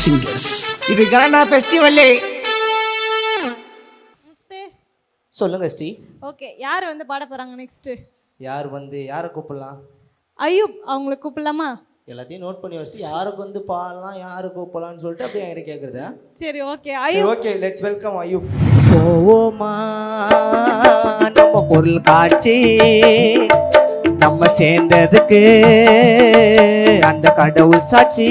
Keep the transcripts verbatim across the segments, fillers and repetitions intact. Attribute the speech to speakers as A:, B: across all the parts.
A: singers. இது கானா festival. சொல்லுங்க Sri.
B: Okay, யார் வந்து பாட போறாங்க நெக்ஸ்ட்?
A: யார் வந்து யாரை கூப்பிடலாம்?
B: அய்யூப் அவங்கள கூப்பிடலாமா?
A: எல்லாத்தையும் நோட் பண்ணி வச்சிட்டு யாருக்கு வந்து பாடலாம் யாரை கூப்பிடலாம்னு சொல்லிட்டு அப்படியே என்கிட்ட கேட்குறதா?
B: சரி okay Ayyub.
A: Okay let's welcome Ayyub. போவோமா நம்ம பொருள் காட்சி நம்ம சேர்ந்ததுக்கு அந்த கடவுள் சாட்சி.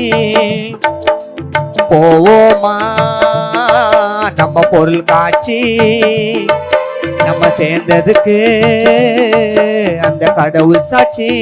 A: போவோமா நம்ம பொருள் காட்சி நம்ம சேர்ந்ததுக்கு அந்த கடவுள் சாட்சி.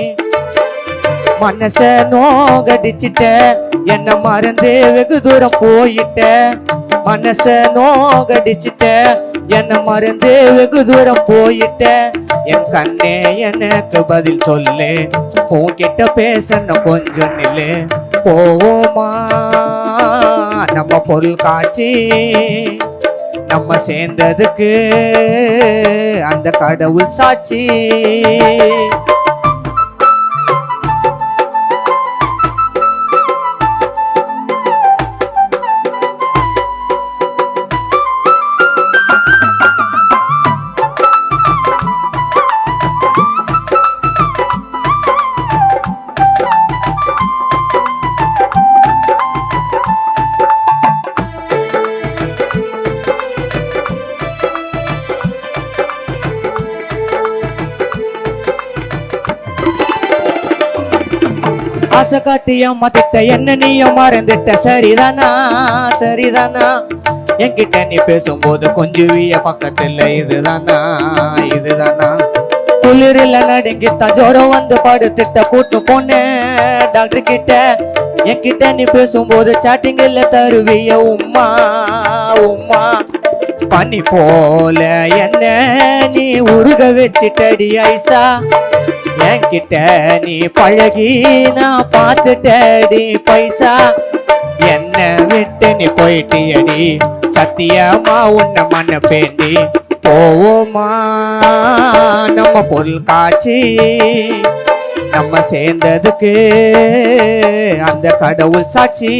A: மனச நோகடிச்சிட்ட என்ன மறந்து வெகு தூரம் போயிட்ட. மனச நோகடிச்சிட்ட என்ன மறந்து வெகு தூரம் போயிட்ட. என் கண்ணே எனக்கு பதில் சொல்லு, உன்கிட்ட பேசணும் கொஞ்சம் நில்லு. போவோமா நம்ம பொருள் காட்சி நம்ம சேர்ந்ததுக்கு அந்த கடவுள் சாட்சி. ஆசை காட்டி ஏமாத்திட்ட என்ன நீயும் மறந்துட்ட. சரிதானா சரிதானா என்கிட்ட நீ பேசும்போது கொஞ்சம் வீய பக்கத்துல. இதுதானா இதுதானா குளிரில் நடுங்கிட்ட ஜோரம் வந்து படுத்துட்ட. கூட்டு போனேன் டாக்டர் கிட்ட. என்கிட்ட நீ பேசும்போது சாட்டிங்கில் தருவிய உம்மா உம்மா. பனி போல என்ன நீ உருக வச்சிட்டடி ஐசா. என்கிட்ட நீ பழகி நான் பார்த்துட்டடி பைசா. என்ன விட்டு நீ போயிட்டியடி சத்தியமா உன்னை மண்ண பேண்டி. போவோமா நம்ம பொருள் காட்சி நம்ம சேர்ந்ததுக்கு அந்த கடவுள் சாட்சி.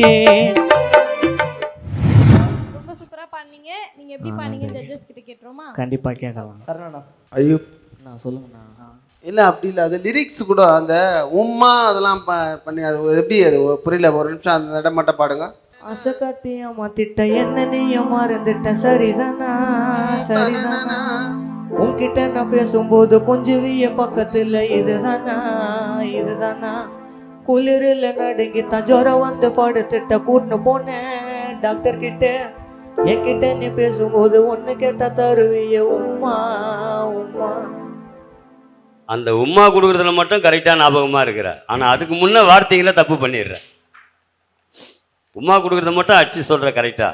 B: ரொம்ப சூப்பரா பண்ணீங்க. நீங்க எப்படி பண்ணீங்க ஜட்ஜஸ் கிட்ட கேட்றோமா?
A: கண்டிப்பா கேட்கலாம். சரணா
C: அய்யூப்
A: நான் சொல்லுங்கண்ணா.
C: இல்லை அப்படி இல்லை, அது லிரிக்ஸ் கூட அந்த உம்மா அதெல்லாம் ப பண்ணி அது எப்படி அது புரியல. ஒரு நிமிஷம் அந்த இடம் மட்டும் பாடுங்க.
A: ஆசை காட்டி ஏமாத்திட்ட என்ன நீயும் மறந்துட்ட. சரிதானா சரிதானா உன்கிட்ட நான் பேசும்போது கொஞ்சம் வீய பக்கத்துல. இதுதானா இதுதானா குளிரில் நடுங்கித்தான் ஜோரம் வந்து படுத்துட்ட. கூட்டுன்னு போனேன் டாக்டர் கிட்ட. என்கிட்ட நீ பேசும்போது ஒன்று கேட்டா தருவிய உம்மா உம்மா.
D: அந்த உம்மா கொடுக்குறதுல மட்டும் கரெக்டாக ஞாபகமாக இருக்கிற, ஆனால் அதுக்கு முன்னே வார்த்தைகளை தப்பு பண்ணிடுற. உம்மா கொடுக்குறத மட்டும் அடிச்சு சொல்கிற கரெக்டா.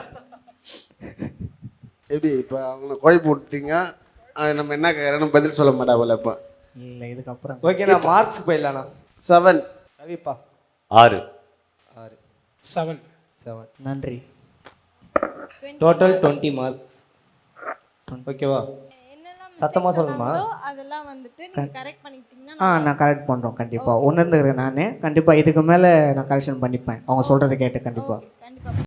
C: எப்படி இப்போ அவங்கள குழப்பி விட்டீங்க, நம்ம என்ன கேட்குறோன்னு பதில் சொல்ல மாட்டா போல. இப்போ
A: இல்லை இதுக்கப்புறம் ஓகே நான் மார்க்ஸ் போயிடலாண்ணா.
C: செவன்
A: ரவிப்பா
D: ஆறு
A: ஆறு
E: செவன்
A: செவன் நன்றி. Total twenty marks. ஓகேவா? சத்தமாக சொல்லணுமா?
B: அதெல்லாம் வந்துட்டு நீங்க கரெக்ட் பண்ணிட்டீங்கன்னா
A: ஆ நான் கரெக்ட் பண்ணுறோம் கண்டிப்பாக. உணர்ந்துக்கிறேன் நான். கண்டிப்பாக இதுக்கு மேலே நான் கரெக்ஷன் பண்ணிப்பேன் அவங்க சொல்கிறத கேட்டு. கண்டிப்பாக
B: கண்டிப்பா